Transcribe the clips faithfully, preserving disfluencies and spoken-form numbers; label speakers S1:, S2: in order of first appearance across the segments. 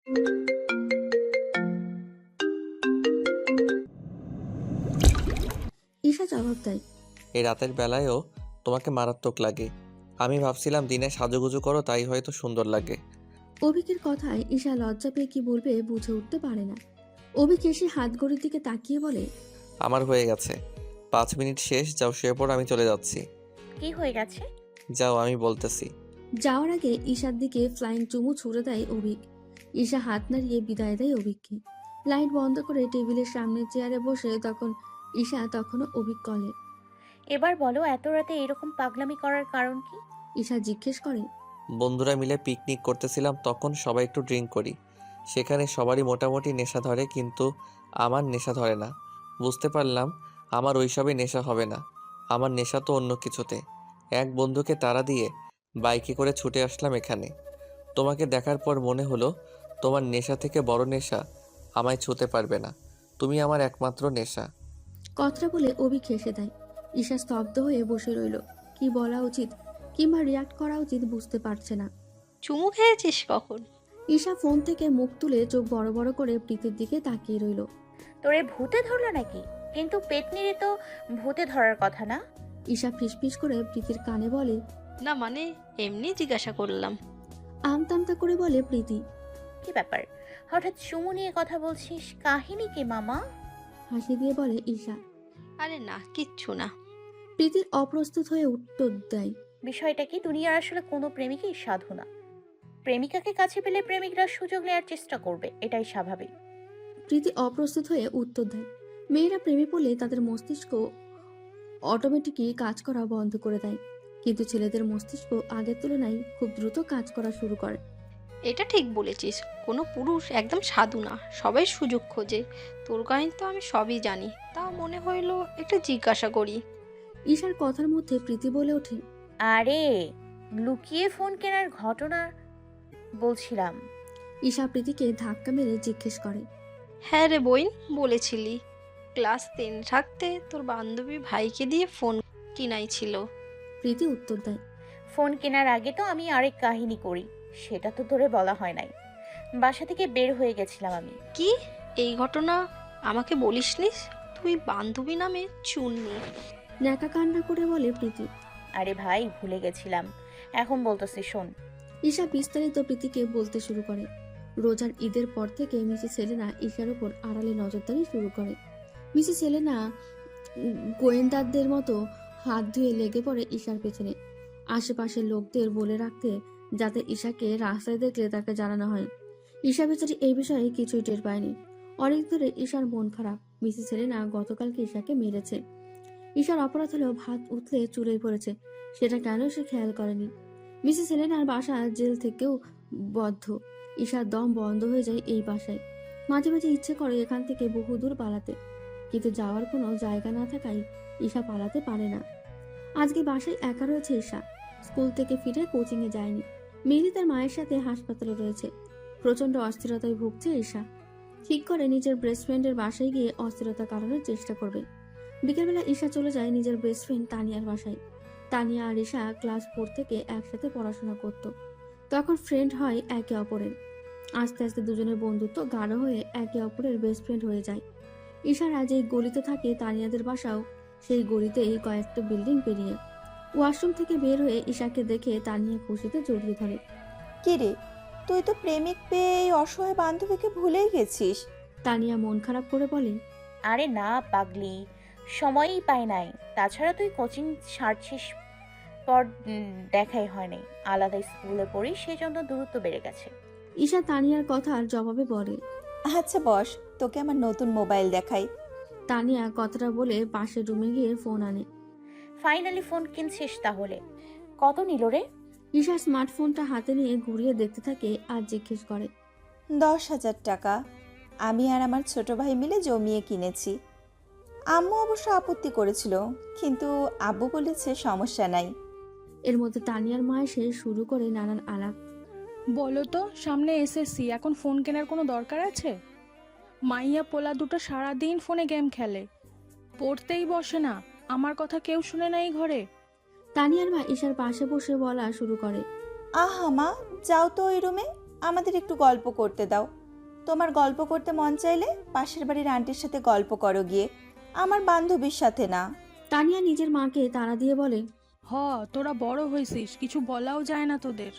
S1: ঈশা জবাব দেয়,
S2: এই রাতের বেলায়ও তোমাকে মারাত্মক লাগে। আমি ভাবছিলাম দিনে সাজুগুজু করো, তাই হয়তো সুন্দর লাগে।
S1: অভিকের কথায় ঈশা লজ্জা পেয়ে কি বলবে বুঝে উঠতে পারে না। অভিক এসে হাত ঘড়ির দিকে তাকিয়ে বলে,
S2: আমার হয়ে গেছে, পাঁচ মিনিট শেষ, যাও শুয়ে পড়ো, আমি চলে যাচ্ছি।
S3: কি হয়ে গেছে?
S2: যাও, আমি বলতেছি।
S1: যাওয়ার আগে ঈশার দিকে ফ্লাইং চুমু ছুড়ে দেয় অভিক। ঈশা হাত নাড়িয়ে বিদায় দেয় অভিককে। লাইট বন্ধ করে টেবিলের সামনে চেয়ারে বসে তখন ঈশা তখনও অভিক কলে।
S3: এবার বলো, এত রাতে এরকম পাগলামি করার কারণ কি?
S1: ঈশা জিজ্ঞেস করে,
S2: বন্ধুরা মিলে পিকনিক করতেছিলাম, তখন সবাই একটু ড্রিঙ্ক করি। সেখানে সবারই মোটামুটি নেশা ধরে, কিন্তু আমার নেশা ধরে না। বুঝতে পারলাম আমার ওইসবে নেশা হবে না, আমার নেশা তো অন্য কিছুতে। এক বন্ধুকে তাড়া দিয়ে বাইকে করে ছুটে আসলাম এখানে। তোমাকে দেখার পর মনে হলো তোমার নেশা থেকে বড় নেশা আমায় ছুঁতে পারবে না। তুমি আমার একমাত্র নেশা।
S1: কথাটা বলে অভিক হেসে দেয়। ঈশা স্তব্ধ হয়ে বসে রইল। কি বলা উচিত কিংবা রিয়াক্ট করা উচিত বুঝতে পারছে না।
S4: চুমু খেয়েছিস কখন?
S1: ঈশা ফোন থেকে মুখ তুলে চোখ বড় বড় করে প্রীতির দিকে তাকিয়ে রইল।
S3: তোরে ভূতে ধরলো নাকি? কিন্তু পেতনিরে তো ভূতে ধরার কথা না।
S1: ঈশা ফিসফিস করে প্রীতির কানে বলে,
S4: না মানে এমনি জিজ্ঞাসা করলাম।
S1: আমতামতা করে বলে প্রীতি।
S3: কি ব্যাপার, হঠাৎ চুমু নিয়ে কথা বলছিস? কাহিনী কি মামা?
S1: হাসি দিয়ে বলে ঈশা।
S4: আরে না, কিচ্ছু না।
S1: প্রীতির অপ্রস্তুত হয়ে উত্তর দেয়,
S3: বিষয়টা কি, দুনিয়ার আসলে কোনো প্রেমিকই সাধু না। প্রেমিকাকে কাছে পেলে প্রেমিকরা সুযোগ নেওয়ার চেষ্টা করবে, এটাই স্বাভাবিক।
S1: প্রীতি অপ্রস্তুত হয়ে উত্তর দেয়, মেয়েরা প্রেমে পড়লে তাদের মস্তিষ্ক অটোমেটিকই কাজ করা বন্ধ করে দেয়, কিন্তু ছেলেদের মস্তিষ্ক আগের তুলনায় খুব দ্রুত কাজ করা শুরু করে।
S4: এটা ঠিক বলেছিস, কোনো পুরুষ একদম সাধু না, সবাই সুযোগ খোঁজে। তোর কাহিনী তো আমি সবই জানি, তাও মনে হইলো একটু জিজ্ঞাসা করি।
S1: ঈশার কথার মধ্যে প্রীতি বলে ওঠে,
S3: আরে লুকিয়ে ফোন কেনার ঘটনা বলছিলাম।
S1: ঈশা প্রীতিকে ধাক্কা মেরে জিজ্ঞেস করে,
S4: হ্যাঁ রে বইন, বলেছিলি ক্লাস টেন থাকতে তোর বান্ধবী ভাইকে দিয়ে ফোন কিনাইছিল।
S1: প্রীতি উত্তর দেয়,
S3: ফোন কেনার আগে তো আমি আরেক কাহিনী করি, সেটা তো তোরে বলা হয় নাই। বাসা থেকে বের হয়ে গেছিলাম আমি।
S4: কি, এই ঘটনা আমাকে বলিসনিস? তুই বান্ধবী নামে চুননি।
S1: ন্যাকা কান্না করে বলে প্রীতি।
S3: আরে ভাই, ভুলে গেছিলাম, এখন বলতেছি শোন।
S1: ঈশা বিস্তারিত প্রীতিকে বলতে শুরু করে। রোজার ঈদের পর থেকে মিসেস সেলেনা ঈশার উপর আড়ালে নজরদারি শুরু করে। মিসেস সেলেনা উম, গোয়েন্দাদের মতো হাত ধুয়ে লেগে পড়ে ঈশার পেছনে, আশেপাশের লোকদের বলে রাখতে যাতে ঈশাকে রাস্তায় দেখলে তাকে জানানো হয়। ঈশা বেচারি এই বিষয়ে কিছুই টের পায়নি। অনেক ধরে ঈশার মন খারাপ। মিসেস সেলেনা গতকালকে ঈশাকে মেরেছে। ঈশার অপরাধ হলেও ভাত উঠলে চুলেই পড়েছে, সেটা কেন সে খেয়াল করেনি। মিসেস সেলেনার বাসা জেল থেকেও বদ্ধ। ঈশার দম বন্ধ হয়ে যায় এই বাসায়। মাঝে মাঝে ইচ্ছে করে এখান থেকে বহুদূর পালাতে, কিন্তু যাওয়ার কোনো জায়গা না থাকায় ঈশা পালাতে পারে না। আজকে বাসায় একা রয়েছে ঈশা। স্কুল থেকে ফিরে কোচিং এ যায়নি। মেয়েলি তার মায়ের সাথে হাসপাতালে রয়েছে। প্রচন্ড অস্থিরতায় ভুগছে ঈশা। ঠিক করে নিজের বেস্ট ফ্রেন্ডের বাসায় গিয়ে অস্থিরতা কাটানোর চেষ্টা করবে। বিকেলবেলা ঈশা চলে যায় নিজের বেস্ট ফ্রেন্ড তানিয়ার বাসায়। তানিয়া আর ঈশা ক্লাস ফোর থেকে একসাথে পড়াশোনা করত। তখন ফ্রেন্ড হয় একে অপরের। আস্তে আস্তে দুজনের বন্ধুত্ব গাঢ় হয়ে একে অপরের বেস্ট ফ্রেন্ড হয়ে যায়। ঈশারা যেই গলিতে থাকে তানিয়াদের বাসাও সেই গলিতেই কয়েকটা বিল্ডিং পেরিয়ে। ওয়াশরুম থেকে বের হয়ে ঈশাকে দেখে তানিয়া খুশিতে জড়িয়ে ধরে।
S5: কিরে, তুই তো প্রেমিক পেয়ে এই অসহায় বান্ধবীকে ভুলেই গেছিস।
S1: তানিয়া মন খারাপ করে বলে,
S3: আরে না পাগলি, সময়ই পাই নাই। তাছাড়া তুই কোচিং ছাড়ছিস পর উম, দেখাই হয় নাই। আলাদা স্কুলে পড়ি, সেই জন্য দূরত্ব বেড়ে গেছে।
S1: ঈশা তানিয়ার কথার জবাবে বলে।
S5: আচ্ছা বস, তোকে আমার নতুন মোবাইল দেখাই।
S1: তানিয়া কথাটা বলে পাশের রুমে গিয়ে ফোন আনে।
S3: ফাইনালি ফোন কিনছিস তাহলে? কত নিল রে?
S1: ঈশা স্মার্টফোনটা হাতে নিয়ে ঘুরিয়ে দেখতে থাকে আর জিজ্ঞেস করে,
S5: দশ হাজার টাকা। আমি আর আমার ছোট ভাই মিলে জমিয়ে কিনেছি। আম্মু অবশ্য আপত্তি করেছিল, কিন্তু আব্বু বলেছে সমস্যা নাই।
S1: এর মধ্যে তানিয়ার মা এসে শুরু করে নানান আলাপ।
S6: বলো তো, সামনে এসএসসি, এখন ফোন কেনার কোনো দরকার আছে? মাইয়া পোলা দুটো সারাদিন ফোনে গেম খেলে, পড়তেই বসে না। আমার কথা কেউ শুনে না এই ঘরে।
S1: তানিয়ার মা ঈশার পাশে বসে বলা শুরু করে,
S5: আহা মা, যাও তো ওই রুমে, আমাদের একটু গল্প করতে দাও। তোমার গল্প করতে মন চাইলে পাশের বাড়ির আন্টির সাথে গল্প করো গিয়ে, আমার বান্ধবীর সাথে না।
S1: তানিয়া নিজের মাকে তাড়া দিয়ে বলে,
S6: হ, তোরা বড় হয়েছিস, কিছু বলাও যায় না তোদের।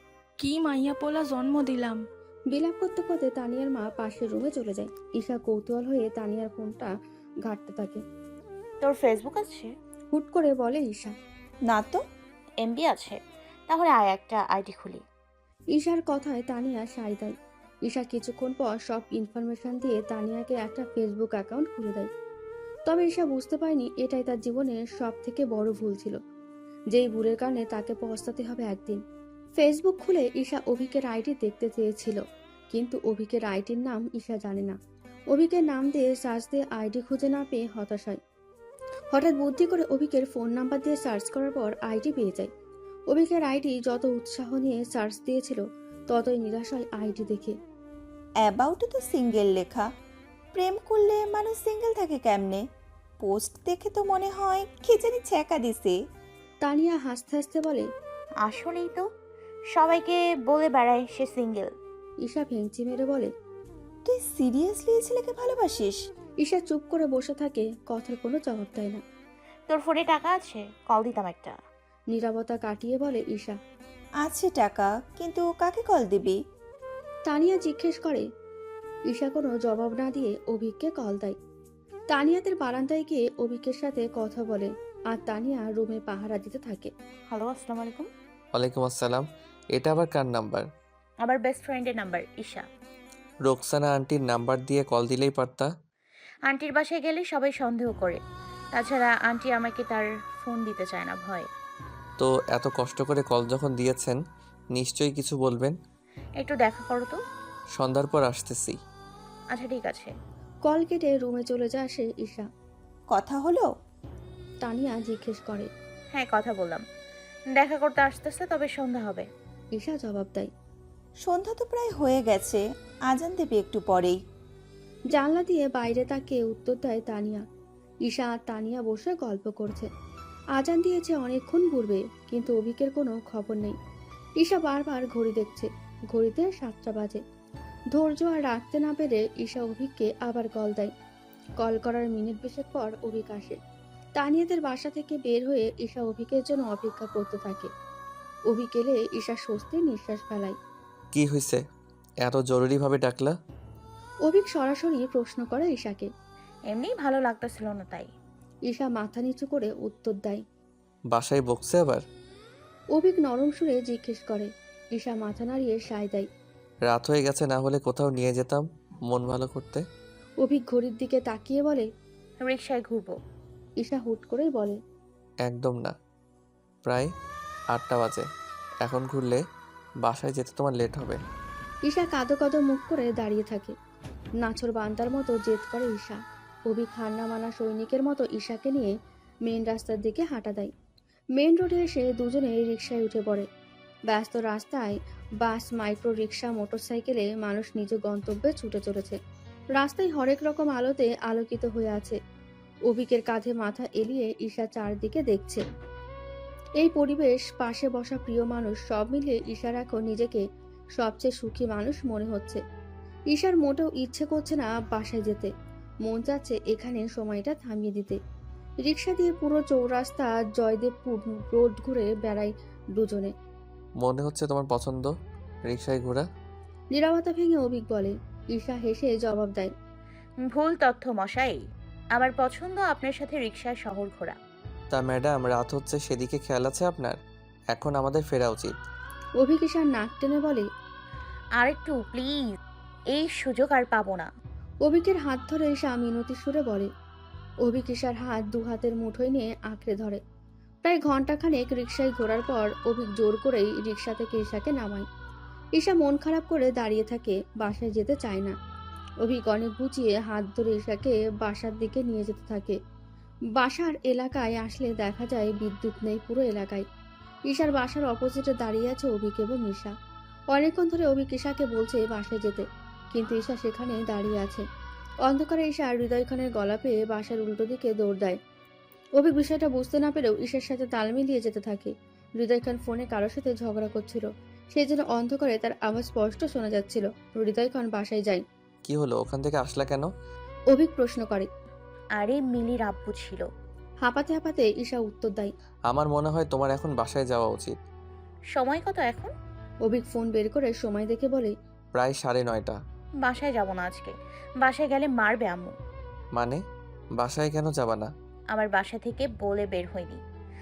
S6: কি মাইয়া পোলা জন্ম দিলাম।
S1: বিলাপ করতে করতে তানিয়ার মা পাশের রুমে চলে যায়। ঈশা কৌতূহল হয়ে তানিয়ার ফোনটা ঘাঁটতে থাকে।
S3: তোর ফেসবুক আছে?
S1: হুট করে বলে ঈশা।
S5: না তো।
S3: এমবি আছে? তাহলে আয় একটা আইডি খুলি।
S1: ঈশার কথায় তানিয়া সায় দেয়। ঈশা কিছুক্ষণ পর সব ইনফরমেশন দিয়ে তানিয়াকে একটা ফেসবুক অ্যাকাউন্ট খুলে দেয়। তবে ঈশা বুঝতে পারেনি এটাই তার জীবনের সব থেকে বড় ভুল ছিল, যেই ভুলের কারণে তাকে পস্তাতে হবে একদিন। ফেসবুক খুলে ঈশা অভিকের আইডি দেখতে চেয়েছিল, কিন্তু অভিকের আইডির নাম ঈশা জানে না। অভিকের নাম দিয়ে সার্চ দিয়ে আইডি খুঁজে না পেয়ে হতাশ হয়। হঠাৎ বুদ্ধি করে অভিকের ফোন নাম্বার দিয়ে সার্চ করার পর আইডি পেয়ে যায়। অভিকের আইডি যত উৎসাহ নিয়ে সার্চ দিয়েছিল ততই নিরাশ হয় আইডি দেখে।
S5: অ্যাবাউটে তো সিঙ্গেল লেখা, প্রেম করলে মানুষ সিঙ্গেল থাকে কেমনে? পোস্ট দেখে তো মনে হয় কে জানি ছ্যাঁকা দিছে।
S1: তানিয়া হাসতে হাসতে বলে,
S3: আসলেই তো, সবাইকে বলে বেড়ায় সে সিঙ্গেল।
S1: ঈশা ভেঙচি মেরে বলে,
S5: তুই সিরিয়াসলি এই ছেলেকে ভালোবাসিস?
S1: ঈশা চুপ করে বসে থাকে, কথার কোনো জবাব দেয় না।
S3: তোর ফোনে টাকা আছে? কল দিতাম একটা।
S1: নীরবতা কাটিয়ে বলে ঈশা।
S5: আছে টাকা, কিন্তু কাকে কল দিবি?
S1: তানিয়া জিজ্ঞেস করে। ঈশা কোনো জবাব না দিয়ে অভিককে কল দেয়। তানিয়াদের বারান্দায় গিয়ে অভিকের সাথে কথা বলে, আর তানিয়া রুমে পাহারা দিতে থাকে।
S3: হ্যালো, আসসালামু আলাইকুম।
S2: ওয়ালাইকুম আসসালাম। এটা আবার কার নাম্বার?
S3: আমার বেস্ট ফ্রেন্ডের নাম্বার, ঈশা।
S2: রোকসানা আন্টির নাম্বার দিয়ে কল দিলেই পারতা।
S3: আন্টির বাসায় গেলে সবাই সন্দেহ করে, তাছাড়া আন্টি আমাকে তার ফোন দিতে চায় না, ভয়।
S2: তো এত কষ্ট করে কল যখন দিয়েছেন নিশ্চয়ই কিছু বলবেন।
S3: একটু দেখা করো তো।
S2: সন্ধ্যার পর আসতেছি।
S3: আচ্ছা ঠিক আছে।
S1: কল কেটে রুমে চলে যায় সে ঈশা।
S5: কথা হলো?
S1: তানিয়া জিজ্ঞেস করে।
S3: হ্যাঁ, কথা বললাম, দেখা করতে আসতেছে, তবে সন্ধ্যা হবে।
S1: ঈশা জবাব দেয়।
S5: সন্ধ্যা তো প্রায় হয়ে গেছে, আজান দেবে একটু পরেই।
S1: জানলা দিয়ে বাইরে তাকিয়ে উত্তর দেয় তানিয়া। ঈশা আর তানিয়া বসে গল্প করছে। আজান দিয়েছে অনেকক্ষণ পূর্বে, কিন্তু অভিকের কোনো খবর নেই। ঈশা বারবার ঘড়ি দেখছে, ঘড়িতে সাতটা বাজে। ধৈর্য আর রাখতে না পেরে ঈশা অভিককে আবার কল দেয়। কল করার মিনিট বিশেক পর অভিক আসে। তানিয়াদের বাসা থেকে বের হয়ে ঈশা অভিকের জন্য অপেক্ষা করতে থাকে। অভিক এলে ঈশা স্বস্তির নিঃশ্বাস ফেলায়।
S2: কি হয়েছে, এত জরুরিভাবে ডাকলা?
S1: অভিক সরাসরি প্রশ্ন করে ঈশাকে।
S3: এমনি ভালো লাগতেছিল না তাই।
S1: ঈশা মাথা নিচু করে উত্তর দেয়।
S2: বাসায় বকছে আবার?
S1: অভিক নরম সুরে জিজ্ঞেস করে। ঈশা মাথা নাড়িয়ে সায় দেয়।
S2: রাত হয়ে গেছে, না হলে কোথাও নিয়ে যেতাম মন ভালো করতে।
S1: অভিক ঘড়ির দিকে তাকিয়ে বলে।
S3: রিক্সায় ঘুরবো।
S1: ঈশা হুট করেই বলে।
S2: একদম না, প্রায় আটটা বাজে, এখন ঘুরলে বাসায় যেতে তোমার লেট হবে।
S1: ঈশা কাঁদো কাঁদো মুখ করে দাঁড়িয়ে থাকে। নাছর বান্দার মতো জেদ করে ঈশা। অভিক হান্না মানা সৈনিকের মতো ঈশাকে নিয়ে মেন রাস্তার দিকে হাঁটা দেয়। মেন রোডে এসে দুজনে রিকশায় উঠে পড়ে। ব্যস্ত রাস্তায় বাস, মাইক্রো রিক্সা, মোটরসাইকেলে মানুষ নিজ গন্তব্যে ছুটে চলেছে। রাস্তায় হরেক রকম আলোতে আলোকিত হয়ে আছে। অভিকের কাঁধে মাথা এলিয়ে ঈশা চারদিকে দেখছে। এই পরিবেশ, পাশে বসা প্রিয় মানুষ, সব মিলিয়ে ঈশার এখন নিজেকে সবচেয়ে সুখী মানুষ মনে হচ্ছে। ঈশার মোটেও ইচ্ছে করছে না বাসায় যেতে, মন চাচ্ছে এখানে সময়টা থামিয়ে দিতে। রিক্সা দিয়ে পুরো চৌরাস্তা জয়দেবপুর রোড ঘুরে বেড়াই দুজনে।
S2: মনে হচ্ছে তোমার পছন্দ রিক্সায় ঘোরা।
S1: নীরবতা ভেঙে অভিক বলে। ঈশা হেসে জবাব দেয়।
S3: ভুল তথ্য মশাই, আমার পছন্দ আপনার সাথে রিক্সায় শহর ঘোরা।
S2: তা ম্যাডাম, রাত হচ্ছে, সেদিকে খেয়াল আছে আপনার? এখন আমাদের ফেরা উচিত।
S1: অভিক ঈশার নাক টেনে বলে।
S3: আর একটু প্লিজ, এই সুযোগ আর পাবো না।
S1: অভিকের হাত ধরে ঈশা মিনতি সুরে বলে। অভিক ঈশার হাত দু হাতের মুঠোয় নিয়ে আঁকড়ে ধরে। প্রায় ঘন্টাখানেক রিক্সায় ঘোরার পর অভিক জোর করেই রিক্সা থেকে ঈশাকে নামায়। ঈশা মন খারাপ করে দাঁড়িয়ে থাকে, বাসায় যেতে চায় না। অভিক অনেক বুঝিয়ে হাত ধরে ঈশাকে বাসার দিকে নিয়ে যেতে থাকে। বাসার এলাকায় আসলে দেখা যায় বিদ্যুৎ নেই পুরো এলাকায়। ঈশার বাসার অপোজিটে দাঁড়িয়ে আছে অভিক এবং ঈশা। অনেকক্ষণ ধরে অভিক ঈশাকে বলছে বাসায় যেতে, কিন্তু ঈশা সেখানে দাঁড়িয়ে আছে। অন্ধকারে ঈশা হৃদয় খানের গলা পেয়ে বাসার উল্টো দিকে দৌড় দেয়। অভিক বিষয়টা বুঝতে না পেরেও ঈশার সাথে তাল মিলিয়ে যেতে থাকে। হৃদয় খান ফোনে কারোর সাথে ঝগড়া করছিল, সেই জন্য অন্ধকারে তার আওয়াজ স্পষ্ট শোনা যাচ্ছিল। হৃদয় খান বাসায় যায়।
S2: কি হলো, ওখান থেকে আসলা কেন?
S1: অভিক প্রশ্ন করে।
S3: আরে মিলির আব্বু ছিল।
S1: হাঁপাতে হাঁপাতে ঈশা উত্তর দেয়।
S2: আমার মনে হয় তোমার এখন বাসায় যাওয়া উচিত।
S3: সময় কত এখন?
S1: অভিক ফোন বের করে সময় দেখে বলে।
S2: প্রায় সাড়ে নয়টা।
S3: বাসায় যাব না আজকে। বাসায় গেলে মারবে আম্মু।
S2: মানে বাসায় কেন যাবা না?
S3: আমার বাসা থেকে বলে বের হয়নি।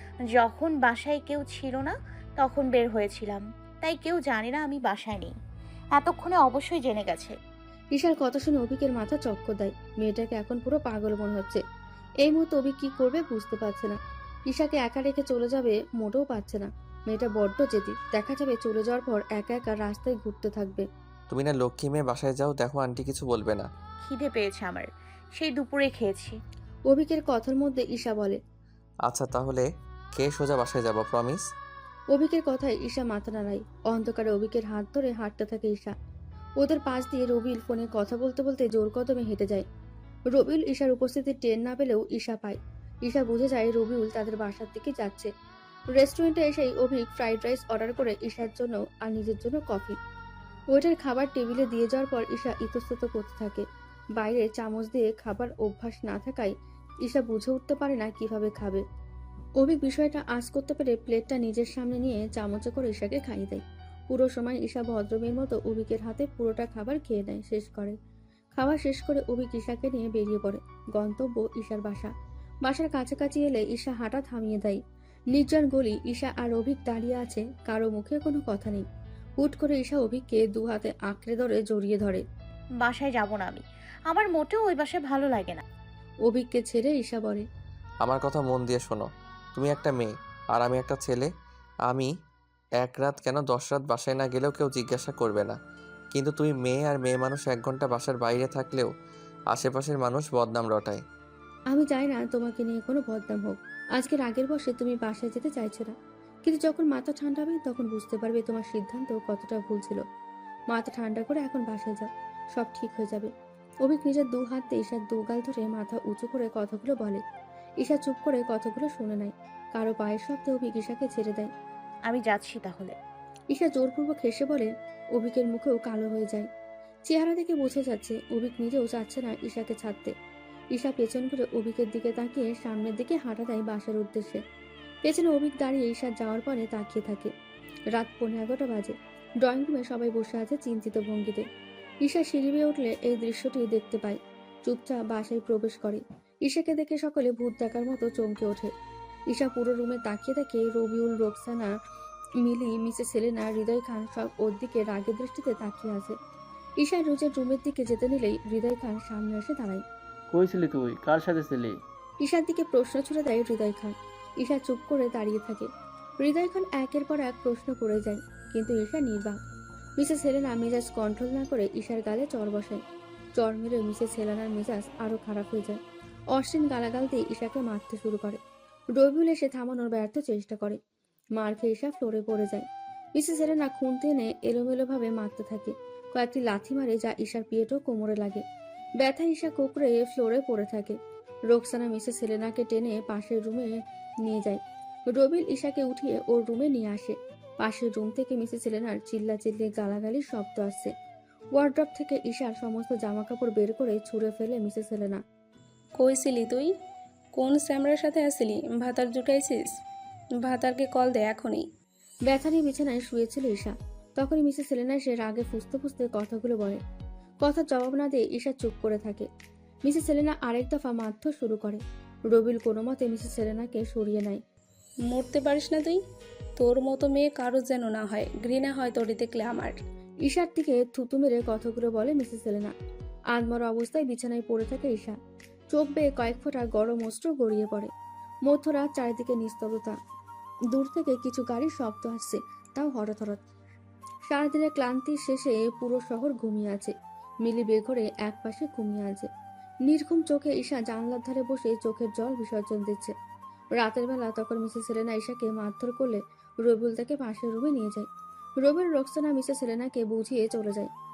S3: যখন বাসায় কেউ ছিল না তখন বের হয়েছিলাম, তাই কেউ জানে না আমি বাসায় নেই। এতক্ষণে অবশ্যই জেনে গেছে।
S1: ঈশার কথা শুনে অভিকের মাথা চক্কর দেয়। মেয়েটাকে এখন পুরো পাগল মনে হচ্ছে। এই মুহূর্তে অভিক কি করবে বুঝতে পারছে না। ঈশাকে একা রেখে চলে যাবে মোটেও পারছে না। মেয়েটা বড্ড জেদি, দেখা যাবে চলে যাওয়ার পর একা একা রাস্তায় ঘুরতে থাকবে।
S2: তুমি না লক্ষ্মী মেয়ে, বাসায় যাও, দেখো আন্টি কিছু বলবে না।
S3: খিদে পেয়েছে আমার, সেই দুপুরে খেয়েছি।
S1: অভিকের কথার মধ্যে ঈশা বলে।
S2: আচ্ছা তাহলে খেয়ে সোজা বাসায় যাবো, প্রমিস?
S1: অভিকের কথায় ঈশা মাথা নাড়ায়। অন্ধকারে অভিকের হাত ধরে হাঁটতে থাকে ঈশা। ওদের পাশ দিয়ে রবিউল ফোনে কথা বলতে বলতে জোর কদমে হেঁটে যায়। রবিউল ঈশার উপস্থিতি টের না পেলেও ঈশা পায়। ঈশা বুঝে যায় রবিউল তাদের বাসার দিকে যাচ্ছে। রেস্টুরেন্টে এসেই অভিক ফ্রাইড রাইস অর্ডার করে ঈশার জন্য আর নিজের জন্য কফি। ওইটার খাবার টেবিলে দিয়ে যাওয়ার পর ঈশা ইতস্তত করতে থাকে। বাইরে চামচ দিয়ে খাবার অভ্যাস না থাকায় ঈশা বুঝে উঠতে পারে না কিভাবে খাবে। অভিক বিষয়টা আঁচ করতে পেরে প্লেটটা নিজের সামনে নিয়ে চামচে করে ঈশাকে খাইয়ে দেয়। পুরো সময় ঈশা ভদ্রমের মতো অভিকের হাতে পুরোটা খাবার খেয়ে নেয়, শেষ করে। খাওয়া শেষ করে অভিক ঈশাকে নিয়ে বেরিয়ে পড়ে। গন্তব্য ঈশার বাসা। বাসার কাছাকাছি এলে ঈশা হাঁটা থামিয়ে দেয়। নির্জন গলি, ঈশা আর অভিক দাঁড়িয়ে আছে, কারো মুখে কোনো কথা নেই। হুট করে ঈশা অভিককে দু হাতে আঁকড়ে ধরে জড়িয়ে ধরে।
S3: বাসায় যাব না আমি। আমার মোটেও ওই বাসায় ভালো লাগে না।
S1: অভিককে ছেড়ে ঈশা বলে।
S2: আমার কথা মন দিয়ে শোনো, তুমি একটা মেয়ে আর আমি একটা ছেলে। আমি এক রাত কেন দশ রাত বাসায় না গেলেও কেউ জিজ্ঞাসা করবে না, কিন্তু তুমি মেয়ে, আর মেয়ে মানুষ এক ঘন্টা বাসার বাইরে থাকলেও আশেপাশের মানুষ বদনাম রটায়।
S1: আমি চাই না তোমাকে নিয়ে কোনো বদনাম হোক। আজকের আগের বসে তুমি বাসায় যেতে চাইছো না, কিন্তু যখন মাথা ঠান্ডা হবে তখন বুঝতে পারবে তোমার সিদ্ধান্ত কতটা ভুল ছিল। মাথা ঠান্ডা করে এখন বাসায় যাও, সব ঠিক হয়ে যাবে। অভিক নিজের দু হাত দিয়ে ঈশার দু গাল ধরে মাথা উঁচু করে কথাগুলো বলে। ঈশা চুপ করে কথাগুলো শুনে নেয়। কারো পায়ের শব্দে অভিক ঈশাকে ছেড়ে দেয়।
S3: আমি যাচ্ছি তাহলে।
S1: ঈশা জোরপূর্বক হেসে বলে। অভিকের মুখেও কালো হয়ে যায়। চেহারা দেখে বোঝা যাচ্ছে অভিক নিজেও চাচ্ছে না ঈশাকে ছাড়তে। ঈশা পেছন করে অভিকের দিকে তাকিয়ে সামনের দিকে হাঁটা দেয় বাসার উদ্দেশ্যে। পেছনে অভিক দাঁড়িয়ে ঈশার যাওয়ার পরে তাকিয়ে থাকে। রাত পৌনে এগারোটা বাজে। ড্রয়িং রুমে সবাই বসে আছে চিন্তিত ভঙ্গিতে। ঈশা সিঁড়ি বেয়ে উঠলে এই দৃশ্যটি দেখতে পায়। চুপচাপ বাসায় প্রবেশ করে। ঈশাকে দেখে সকলে ভূত দেখার মতো চমকে ওঠে। ঈশা পুরো রুমে তাকিয়ে দেখে রবিউল, রোকসানা, মিলি, মিসেস সেলেনা, হৃদয় খান সব ওর দিকে রাগের দৃষ্টিতে তাকিয়ে আছে। ঈশা রোজের রুমের দিকে যেতে নিলেই হৃদয় খান সামনে এসে দাঁড়ায়।
S7: কই ছিলি তুই? কার সাথে ছিলি?
S1: ঈশার দিকে প্রশ্ন ছুড়ে দেয় হৃদয় খান। ঈশা চুপ করে দাঁড়িয়ে থাকে। হৃদয় খান একের পর এক প্রশ্ন করে যায়, কিন্তু ঈশা নির্বাক। মিসেস হেলেনা মেজাজ কন্ট্রোল না করে ঈশার গালে চড় বসায়। চড় মেরে মিসেস হেলেনার মেজাজ আরো খারাপ হয়ে যায়। অশ্বিন গালাগাল দিয়ে ঈশাকে মারতে শুরু করে। রবিউল এসে থামানোর ব্যর্থ চেষ্টা করে। মার খেয়ে ঈশা ফ্লোরে পড়ে যায়। মিসেস হেলেনা খুন্তি এনে এলোমেলোভাবে মারতে থাকে। কয়েকটি লাথি মারে, যা ঈশার পিঠও কোমরে লাগে। ব্যথা ঈশা কোকড়ে ফ্লোরে পড়ে থাকে। রোকসানা মিসেস হেলেনাকে টেনে পাশের রুমে নিয়ে যায়। রবিল ঈশাকে উঠিয়ে ওর রুমে নিয়ে আসে। পাশের রুম থেকে মিসেস হেলেনার চিল্লা চিল্লি গালাগালির শব্দ আসছে। ওয়ার্ড্রপ থেকে ঈশার সমস্ত জামাকাপড় বের করে ছুঁড়ে ফেলে মিসেস হেলেনা।
S8: কই ছিলি তুই? কোন স্যামরার সাথে আসিলি? ভাতার জুটাইছিস? ভাতারকে কল দে এখনই।
S1: ব্যথা নিয়ে বিছানায় শুয়েছিল ঈশা। তখনই মিসেস হেলেনা এসে রাগে ফুসতে ফুসতে কথাগুলো বলে। কথার জবাব না দিয়ে ঈশা চুপ করে থাকে। মিসেস হেলেনা আরেক দফা মারধর শুরু করে। রবিল কোনো মতে মিসেস হেলেনাকে সরিয়ে নেয়।
S8: মরতে পারিস না তুই? তোর মতো মেয়ে কারো যেন না হয়, ঘৃণা হয় তোরে দেখলে আমার।
S1: ঈশার দিকে থুতু মেরে কথাগুলো বলে মিসেস হেলেনা। আধমরা অবস্থায় বিছানায় পড়ে থাকে ঈশা। চোখ বেয়ে কয়েক ফোঁটা গরম অস্ত্র গড়িয়ে পড়ে। মধ্যরাত, চারিদিকে নিস্তব্ধতা। দূর থেকে কিছু গাড়ির শব্দ আসছে, তাও হঠাৎ হঠাৎ। সারাদিনের ক্লান্তির শেষে পুরো শহর ঘুমিয়ে আছে। মিলি বেঘরে এক পাশে ঘুমিয়ে আছে। নির্ঘুম চোখে ঈশা জানলার ধারে বসে চোখের জল বিসর্জন দিচ্ছে। রাতের বেলা তখন মিসেস হেলেনা ঈশাকে মারধর করলে রবিউল তাকে পাশের রুমে নিয়ে যায়। রবিউল রোকসানা মিসেস হেলেনাকে বুঝিয়ে চলে যায়।